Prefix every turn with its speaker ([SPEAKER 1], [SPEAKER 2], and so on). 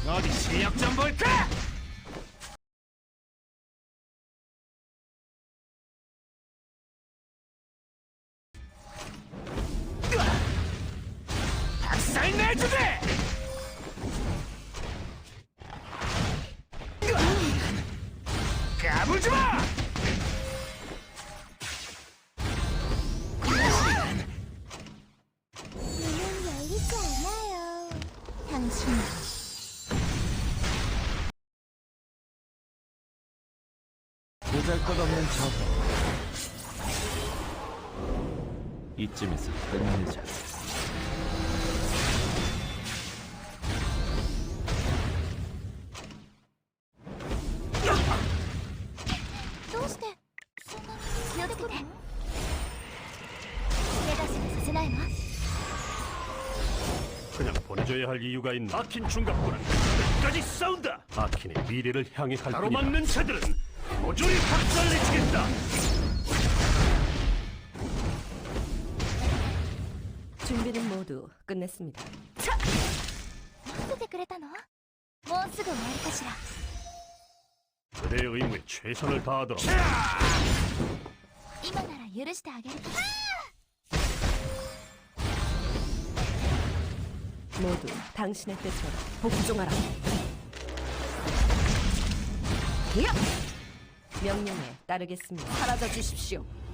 [SPEAKER 1] 어디 실력 좀 볼까? 박살 내주게! 까불지 마!
[SPEAKER 2] 문은 열리지 않아요. 당신
[SPEAKER 3] 보잘것없는 저거. 이쯤에서 끝내자.
[SPEAKER 2] どうしてそんなに気をつけて。怪我しかさせないわ。
[SPEAKER 1] 그냥 보내줘야 할 이유가 있나? 아킨 중갑군은 끝까지 싸운다. 아킨의 미래를 향해 갈 뿐이다. 가로막는 자들은 모조리 박살내주겠다.
[SPEAKER 4] 준비는 모두 끝냈습니다.
[SPEAKER 2] 待っててくれたの？もうすぐ終わりかしら。
[SPEAKER 1] 그대의 의무에 최선을 다하도록.
[SPEAKER 2] 今なら許してあげるから。
[SPEAKER 4] 모두 당신의 때처럼 복종하라. 야! 명령에 따르겠습니다. 사라져 주십시오.